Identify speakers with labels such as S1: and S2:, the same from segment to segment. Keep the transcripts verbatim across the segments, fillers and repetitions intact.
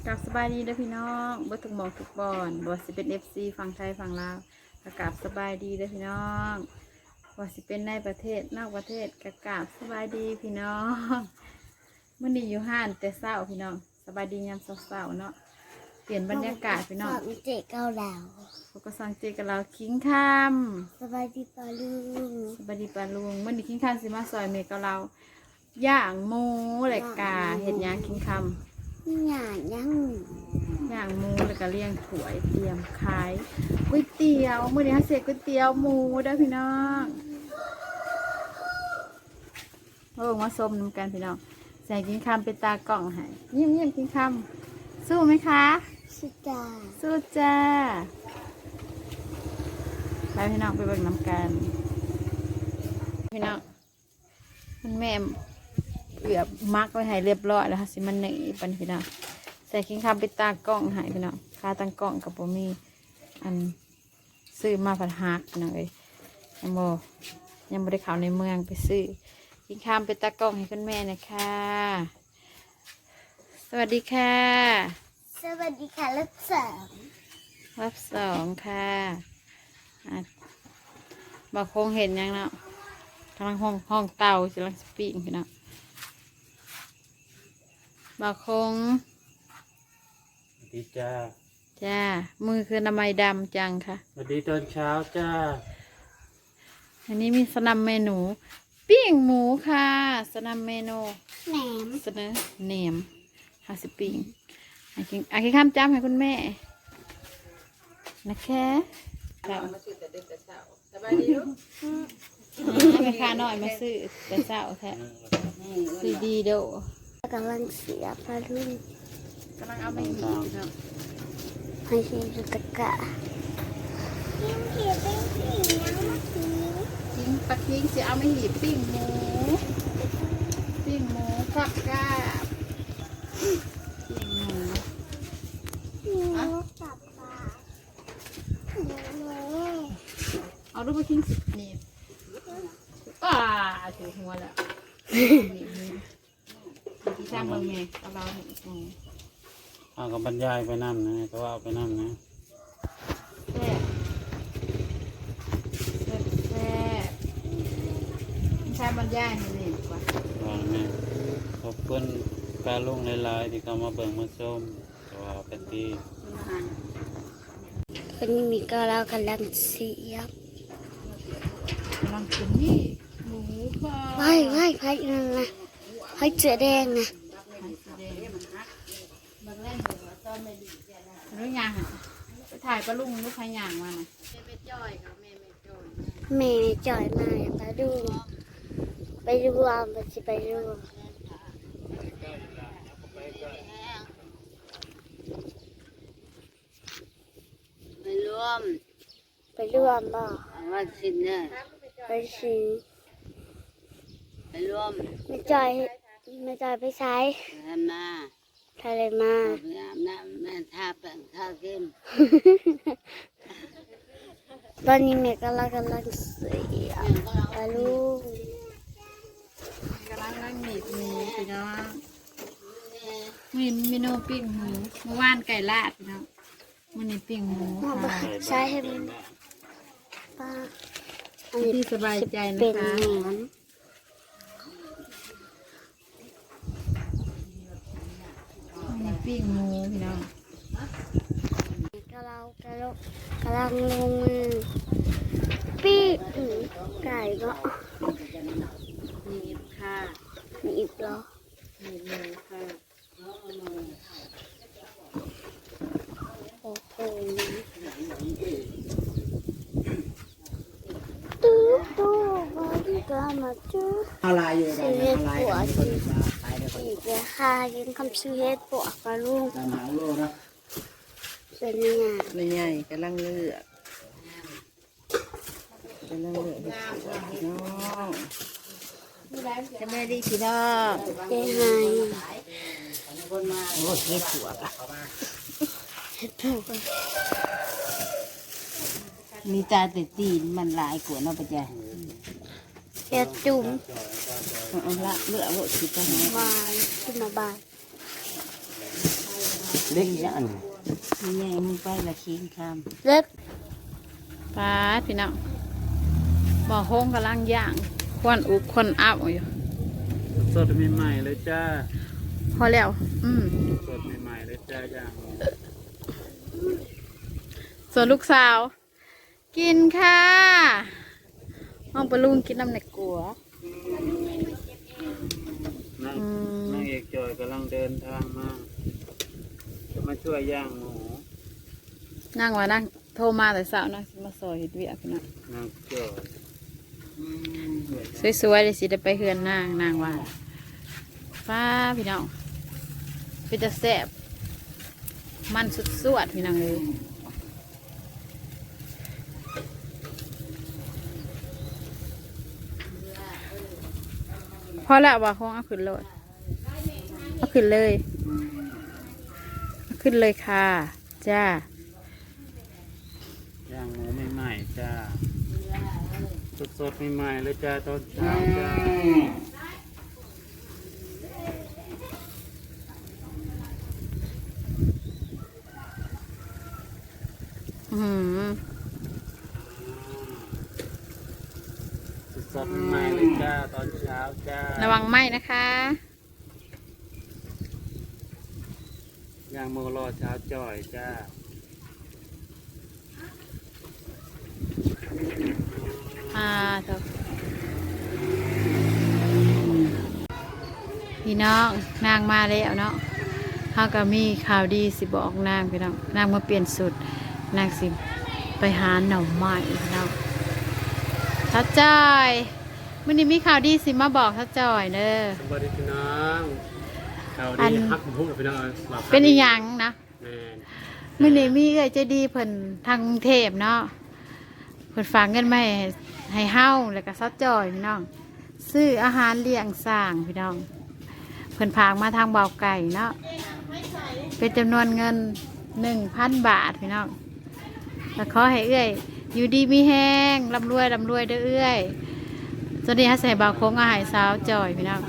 S1: กับสบายดีเด้อพี่น้องบ่ทุกหมองทุกบอนบ่สิเป็น เอฟ ซี ฝั่งไทยฝั่งลาวกะกราบสบายดีเด้อพี่น้องบ่สิเป็นในประเทศนอกประเทศกะกราบสบายดีพี่น้องมื้อนี้อยู่ห้านแต่เช้าพี่น้องสบายดียามเช้าๆเนาะเปลี่ยนบรรยากาศพี่น้อง
S2: เจ๊เกาเหลา
S1: พวกก็สังเจกับเราคิงคำ
S2: สบายดีปลาลุง
S1: สบายดีปลาลุงมื้อนี้คิงคำสิมาซอยเมกับเราย่างหมูและกาเห็ดย่างคิงคำ
S2: หย่างย่าง
S1: ย่างหมูแล้วก็เลี้ยงถ้วยเตรียมขายก๋วยเตี๋ยวมื้อนี้เฮาเสร็จก๋วยเตี๋ยวหมูเด้อพี่น้องโอ้มาส้มน้ำกันพี่น้องใส่กินคำเป็นตากล่องให้ยิ้มยิ้มกินคำสู้ไหมคะ
S2: สุจ้า
S1: สู้จ้าไปพี่น้องไปเบิ่งน้ำกันพี่น้องมันแม่เอือบมักไว้ให้เรียบร้อยแล้วค่ะสิมันหนีปันพี่น้องใส่กินคำเป็นตากล่องให้พี่น้องค่าตั้งกล่องกับโบมีอันซื้อมาผัดฮักพี่น้องเลยยังโบยังไม่ได้เข้าในเมืองไปซื้อกินคำเป็นตากล่องให้คุณแม่นะคะสวัสดีค่ะ
S2: สวัสดีค่ะรับสอง
S1: รับสองค่ะบอกคงเห็นยังเนาะกำลังห้องห้องเตากำลังสปีกพี่น้องบอกคง
S3: สวัสดีจ้า
S1: จ้ามือคือนามัยดำจังค่ะ
S3: สวัสดีตอนเช้าจ้า
S1: อันนี้มีสนับเมนูปิ้งหมูค่ะสนับเมนู
S2: แหนม
S1: เสนอแหนมฮาสิปิ้งอาคิอาคิข้ามจ้ำให้คุณแม่นะคะค่ะมาซื้อแต่เด็กแต่เช้าสบายดีลูกแม่ค้าน้อยมาซื้อแต่เช้าแท้ซื้อดีโด
S2: กำลังเสียปลาลุง
S1: กำลังเอาไปหีบครับ
S2: ให้ชิมสุตกะยิงเขียเป็นสีน้ำมะขี
S1: ทิ้งปลาทิ้งจะเอาไปหีบปิ้งหมูปิ้งหมูฟักกาปิ้งหมู
S2: หมูกับปลาหมู
S1: เอาลูกไปทิ้งสินี่ป้าถือหัวแล้วที่ช่างเมืองไงเอาเราเห็นอืม
S3: เอากับบรรยายไปนั่นนะก็ว่าไปนั่นนะ
S1: แซ่บแซ่บแซ่บใช้บรรยายนี่นี่กว่า
S3: ว่าแม่ขอบคุณปลาลุงหลายๆที่เขามาเบิ่งมาชมก็ว่าเป็นที่
S2: วันนี้มีก็เรากำลังเสียบ
S1: กำลังกินนี่หมูค่ะ
S2: ว้ายว้ายไผ่นั่นนะไผ่เสือแดงนะ
S1: รู้ยังไปถ่ายปลาลุงลูกใครย่างมาน่ะ
S2: แม่จ่อยมาไปดูไปดูวามไปสิไปดู
S4: ไปร่วม
S2: ไปร่วมบ่
S4: วันสินเนี่ย
S2: ไปสิ
S4: ไปร่วม
S2: ไม่จ่อยไม่จ่อยไปใช้
S4: ทำมา
S2: ทะเลมา
S4: ไปอาบน้ำแม่ทาแป้งทาเค็ม
S2: ตอนนี้แม่กำลังกำลังเสียปลาลูก
S1: กำลังนั่งหนีบหมูพี่น้องมีเมนูปิ้งหมูเมื่อวานไก่ลาดพี่น้องมันนี่ปิ้งหมูค่ะ
S2: ใช้ให้มันป้า
S1: ที่สบายใจนะคะนี่ปิ้งหมูพี่น้อง
S2: กำลังกำลังกำลังลงมือปิ้งไก่ก็
S1: มีค่ะ
S2: มีอีกเหรอ
S1: มีหมูค่ะ
S2: โอ้โหตู้ตู้มาดีกว่ามาจู
S5: อะไรอยู่
S2: ซื้อเห็ดปัวสิอีกเลยค่ะยังคำซื้อเห็ดปัวกระลุงเป็นยังไง
S5: ไม่ใหญ่กำลังเลือกกำลังเลือกน้องจะไม่ดีพี่น้อง
S2: เจ๊ไฮ
S5: โอ้เห็ดปัว
S2: เห็ดปัว
S5: มีตาแต่ตีนมันลายกว่าน้องปะจ๊ะ
S2: เห็ดจุ่ม
S5: เอาละเลือกว่าคิดจะหา
S2: บานขึ้นมาบาน
S3: เล็กยัน
S5: นี่ไงมึงไปละคิงค
S2: เล็ก
S1: ปลาพี่น้องบ่อโค้งกำลังย่างควันอุบควันอับอยู่
S3: สดใหม่ๆเลยจ้า
S1: พอแล้ว อืม
S3: สดใหม่ๆเลยจ้าย่าง
S1: ส่วนลูกสาว กินค่ะห้องปลาลุงกินน้ำในกัว
S3: นั่ง
S1: อืม
S3: นางเอกจอยกำลังเดินทางมาจะมาช่วยย่างหมู
S1: นั่งว่านั่งโทรมาแต่สาวนะมาซอยเห็ดเวียกพี่น้อง
S3: นางจอย
S1: สวยๆเลยสิได้ไปเฮือนนางนางว่าฟ้าพี่น้องเป็นจะแซ่บมันสุดสวดพี่น้องเลยพอแล้วว่าคงเอาขึ้นเลยเอาขึ้นเลยเอาขึ้นเลยค่ะจ้า
S3: ย่างหมูใหม่ๆจ้าสดๆใหม่ๆเลยจ้าตอนเช้าจ้า
S1: อือหือ
S3: สดๆใหม่ๆเลยจ้าตอนเช้าจ้า
S1: ระวังไหมนะคะ
S3: ย่างหมูรอเช้าจ่อยจ้า
S1: อ่าเถอะพี่น้องนางมาแล้วเนาะเขาก็มีข่าวดีสิบอกนางพี่น้องนางมาเปลี่ยนสุดนางสิไปหาหน่อไม้พี่น้องท้าจอยมื่อนี้มีข่าวดีสิมาบอกท้าจอยเด้อ
S3: สวัสดีพี่น้องข่าว
S1: อั
S3: ดี
S1: น
S3: ฮักผมพูดกับพี่น้องว่า
S1: เป็นอีหยังนะ
S3: แม่น
S1: มื่อนี้มีเอ้ยใจดีเพิ่นทางกรุงเทพเนาะเพิ่นฝากเงินมาให้ให้เฮาแล้วก็ท้าจอยพี่น้องซื้ออาหารเลี้ยงสร้างพี่น้องเพิ่นพากมาทางเบาไก่เนาะเป็นจำนวนเงินหนึ่งพันบาทพี่น้องแล้วขอให้เอื้อยอยู่ดีมีแห้งร่ำรวยร่ำรวยเด้อเอื้อยตอนนี้ฮัสใส่บาวโค้งอาหารสาวจ่อยพี่น้อง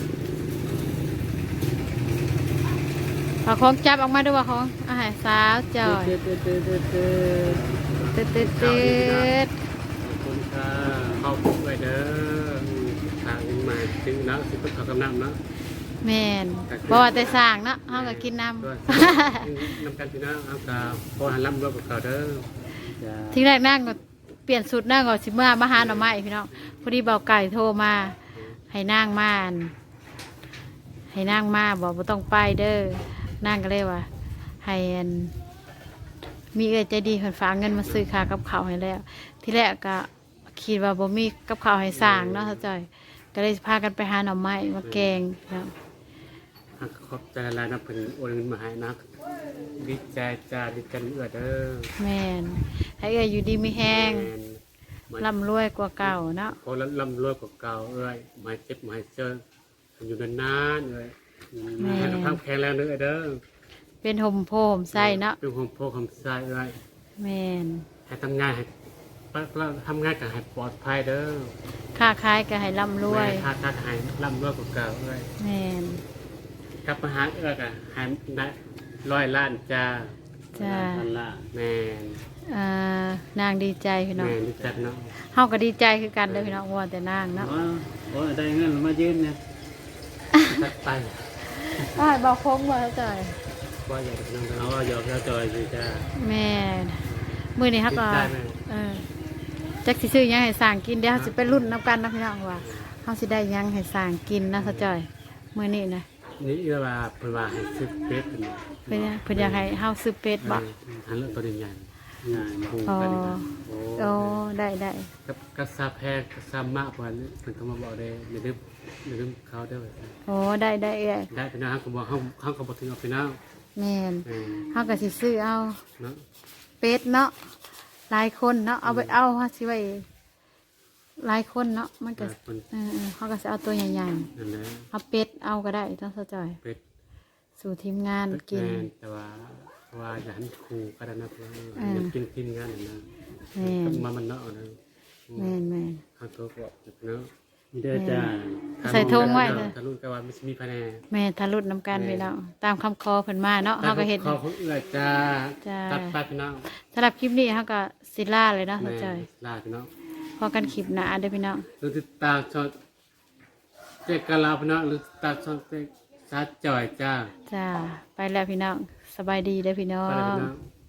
S1: บาวโค้งจับออกมาด้วยบาวโค้งอาหารสาวจ่อย
S3: เตือนเตือนเตือนเตือนเตือน
S1: เติดเติดเติด
S3: ขอบคุณค่ะเข้าปุ๊บไปเด้อทางอินมาถึงแล้วสิบเขากำลังเนาะ
S1: แม่นบ่ว่าแต่สร้างเนาะเฮาก็กินน้
S3: ด้วย
S1: ำ
S3: น้ำกันพี่น้องเอากาพอหันลำรวมกับเขาเด้อจ้า
S1: ทีแรกนั่งก็เปลี่ยนสุดนั่งก่อนสิเมื่อมาหาหน่อไม้พี่น้องพอดีเบาไก่โทรมาให้นั่งมาอั่นให้นั่งมาบอกว่าต้องไปเด้อนั่งก็เลยว่าให้อันมีเอื้อใจดีเพิ่นฝากเงินมาซื้อค่ากับข้าวให้แล้ว ทีแรกก็คิดว่าบ่มีกับข้าวให้สร้างเนาะเข้าใจก็เลยพากันไปหาหน่อไม้มาแกงเนาะ
S3: ขอบใจหลายนะเพิ่นโอนเงินมาให้นะดีใจจ้าดีใจเอื้อเด้อ
S1: แม่นให้เอื้ออยู่ดีมีแห้ง
S3: แม่น
S1: ร่ำรวยกว่าเก่าเนาะ
S3: พอลำรวยกว่าเก่าเอ้ยหมายเจ็บหมายเจออยู่นานๆเอ้ยให้สุขภาพแข็งแรงเด้อเด้อ
S1: เป็นห่มโพมใส่เนาะ
S3: เป็นความโพความใส่เอ้ย
S1: แม่น
S3: ให้ทำงานให้ทำงานกับให้ปลอดภัยเด้อ
S1: ค้าขายก็ให้ร่ำรวย
S3: ถ้าถ้าให้ลำรวยกว่าเก่าเอ้ย
S1: แม่น
S3: กลับมาหาเอ้ยก็ให้ได้ร้อยล้านจ้า
S1: จ้า
S3: พันละแม่น
S1: อ่านางดีใจพี่น้อง
S3: แม่นดีจัดเนาะ
S1: เฮาก็ดีใจคือกันเด้อพี่น้องว่าแต่นางเนาะ
S3: ว่าว่าได้เงินมายืนเนี่ยจัดไป
S1: อ้ายบอกคงบ่เข้าใจ
S3: ว่าอยากจะนั่งเอาว่าอยากจะจอยสิจ้า
S1: แม่นมื้อนี้เฮาก็
S3: ได้ไหม
S1: เออจักสิซื้อหยังให้สร้างกินเดี๋ยวเฮาสิไปรุ่นนํกันนะพี่น้องว่าเฮาสิได้หยังให้สร้างกินนะเข้าใจมื้อนี้นะ
S3: นี่เอื้อว่าเพิ่นว่าให้ซื้อเป็ดเนาะ
S1: เพิ่นเพิ่นอยากให้เฮาซื้อเป็ดบ่
S3: หันเลือกตัวใหญ่ใหญ่ผูก
S1: อ๋อ
S3: กันนะโอ้
S1: โอ้ได้ได้
S3: กับกับซาแพงกับซามะกว่านี้เพิ่นก็มาบอกได้ในเรื่องในเรื่องเขาได้ไว้
S1: โอ้ได้ได้เอ้ย
S3: ได้พี่น้องเขาบอกเขาเขาก็บอกถึงเอาพี่น้อง
S1: แม่น
S3: เออ
S1: เฮาก็สิซื้อเอา
S3: เนาะ
S1: เป็ดเนาะหลายคนเนาะเอาไปเอาเฮาสิไว้หลายคนเนาะมันก็
S3: เพิ่น
S1: เออๆเฮาก็สิเอาตัวใหญ่
S3: นั่นแหละ
S1: ๆเอาเป็ดเอาก็ได้ต้องเข้าใจ
S3: เป็ด
S1: สู่ทีมงานกิน
S3: แม่นแต่ว่าว่าอย่าหันครูก็ได้นะเพื่อน
S1: เออ
S3: อย่ากินกินกันนะ
S1: แม่น
S3: มามันเนาะนะ
S1: แม่นแม่น
S3: เขาตัวบอกเนาะมีเด้อจ้า
S1: ใส่ธงไว้เลย
S3: ทะลุกะว่าไม่มีภายใน
S1: แม่ทะลุน้ำกันพี่น้องตามคำคอเพิ่นมาเนาะเฮาก็เฮ็ด
S3: ขอของเอื้อยจ้า
S1: จ้า
S3: ตัดไปพี่น้อง
S1: สำหรับคลิปนี้เฮาก็สิลาเลยเนาะ
S3: แม่
S1: เข้าใจ
S3: ลาพี่น้อง
S1: พอกันคลิปหน้าเด้อพี่น้อง
S3: หรือติดตามช่องเจ๊กะลาพี่น้องหรือติดตามช่องเจ๊ชาจ่อยจ้า
S1: จ้าไปแล้วพี่น้องสบายดีเด้อพี่น้อ
S3: ไปเลย
S1: ง
S3: พี่น้อง